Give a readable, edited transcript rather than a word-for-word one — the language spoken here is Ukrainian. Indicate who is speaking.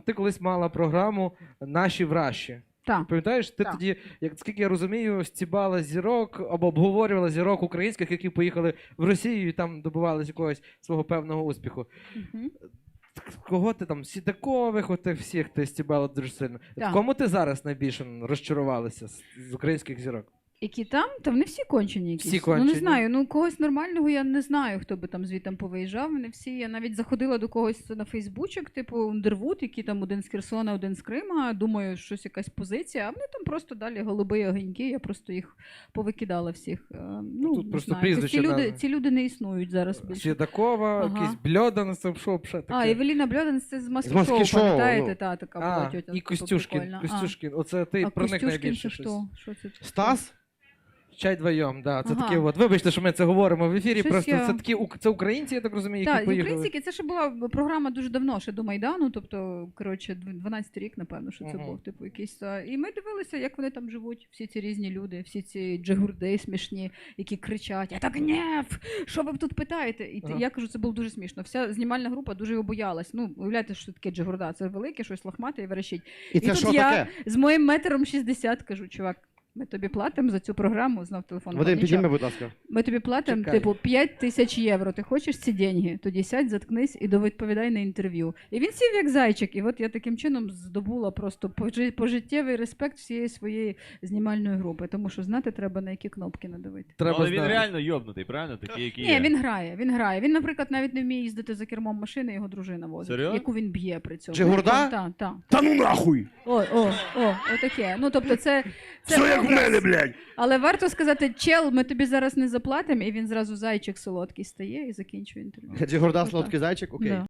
Speaker 1: ти колись мала програму «Наші вращі».
Speaker 2: Так.
Speaker 1: Пам'ятаєш, ти
Speaker 2: Так.
Speaker 1: тоді, скільки я розумію, стібала зірок або обговорювала зірок українських, які поїхали в Росію і там добивалися якогось свого певного успіху.
Speaker 2: Угу.
Speaker 1: Кого ти там, Сідакових, отих всіх ти стібала дуже сильно.
Speaker 2: Так.
Speaker 1: В кому ти зараз найбільше розчарувалася з українських зірок?
Speaker 2: Які там? Та вони всі кончені якісь.
Speaker 1: Всі
Speaker 2: Ну
Speaker 1: кончені.
Speaker 2: не знаю, когось нормального я не знаю, хто би там звідти повиїжджав. Вони всі, я навіть заходила до когось на Фейсбучок, типу Ундервуд, який там один з Херсона, один з Крима, думаю, щось якась позиція, а вони там просто далі голуби огоньки, я просто їх повикидала всіх.
Speaker 1: Тут
Speaker 2: не
Speaker 1: просто
Speaker 2: знаю,
Speaker 1: прізвища
Speaker 2: ці люди не існують зараз більше.
Speaker 1: Сідакова,
Speaker 2: Ага.
Speaker 1: якийсь Бльодан, це що взагалі таке?
Speaker 2: Евеліна Бльодан, це з
Speaker 3: З
Speaker 2: маски
Speaker 3: «Маски-шоу»,
Speaker 2: шоу, пам'ятаєте?
Speaker 3: ну.
Speaker 2: Та, така була тьотя.
Speaker 1: І
Speaker 2: типу,
Speaker 1: Костюшкін.
Speaker 2: прикольна.
Speaker 1: Костюшкін. Оце ти
Speaker 2: А
Speaker 1: про них
Speaker 2: Костюшкін
Speaker 1: найбільше
Speaker 2: це
Speaker 1: щось.
Speaker 2: що це?
Speaker 3: Стас?
Speaker 1: Чай вдвоєм, да. Це
Speaker 2: Ага.
Speaker 1: такі от. Вибачте, що ми це говоримо в ефірі.
Speaker 2: Щось
Speaker 1: Просто
Speaker 2: я-
Speaker 1: це такі це українці, я так розумію, які
Speaker 2: Так,
Speaker 1: поїхали.
Speaker 2: українські, це ще була програма дуже давно, ще до Майдану, тобто, коротше, 12-й рік, напевно, що це
Speaker 1: Ага.
Speaker 2: був, типу, якийсь. І ми дивилися, як вони там живуть, всі ці різні люди, всі ці джигурди смішні, які кричать: «Это гнєв! Що ви тут питаєте?» І
Speaker 1: Ага.
Speaker 2: я кажу, це було дуже смішно. Вся знімальна група дуже його боялась. Ну, уявляєте, що таке джигурда, це велике, щось лохмате і верещить.
Speaker 3: І це
Speaker 2: тут
Speaker 3: що
Speaker 2: я
Speaker 3: таке?
Speaker 2: з моїм метром 60 кажу: чувак, ми тобі платимо за цю програму, знов телефон.
Speaker 3: Вадим,
Speaker 2: нічого.
Speaker 3: підійми, будь ласка.
Speaker 2: Ми тобі платимо,
Speaker 1: Чекай.
Speaker 2: типу, 5 тисяч євро. Ти хочеш ці деньги? Тоді сядь, заткнись і довідповідай на інтерв'ю. І він сів як зайчик. І от я таким чином здобула просто пожиттєвий респект всієї своєї знімальної групи. Тому що знати треба, на які кнопки надавити.
Speaker 1: Треба
Speaker 4: Але він
Speaker 1: знати.
Speaker 4: реально йобнутий, правильно? Такий, який
Speaker 2: Ні,
Speaker 4: є.
Speaker 2: він грає. Він, наприклад, навіть не вміє їздити за кермом машини, його дружина возить.
Speaker 4: Серйозно?
Speaker 2: Яку він б'є при цьому.
Speaker 3: Джигурда?
Speaker 2: Так.
Speaker 3: Та ну нахуй!
Speaker 2: Отаке. Ну, тобто це
Speaker 3: Все як в
Speaker 2: образ.
Speaker 3: мене, блядь!
Speaker 2: Але варто сказати: чел, ми тобі зараз не заплатимо, і він зразу зайчик солодкий стає і закінчує інтерв'ю.
Speaker 3: Джигурда,
Speaker 2: Отак.
Speaker 3: солодкий зайчик, окей.
Speaker 2: Да.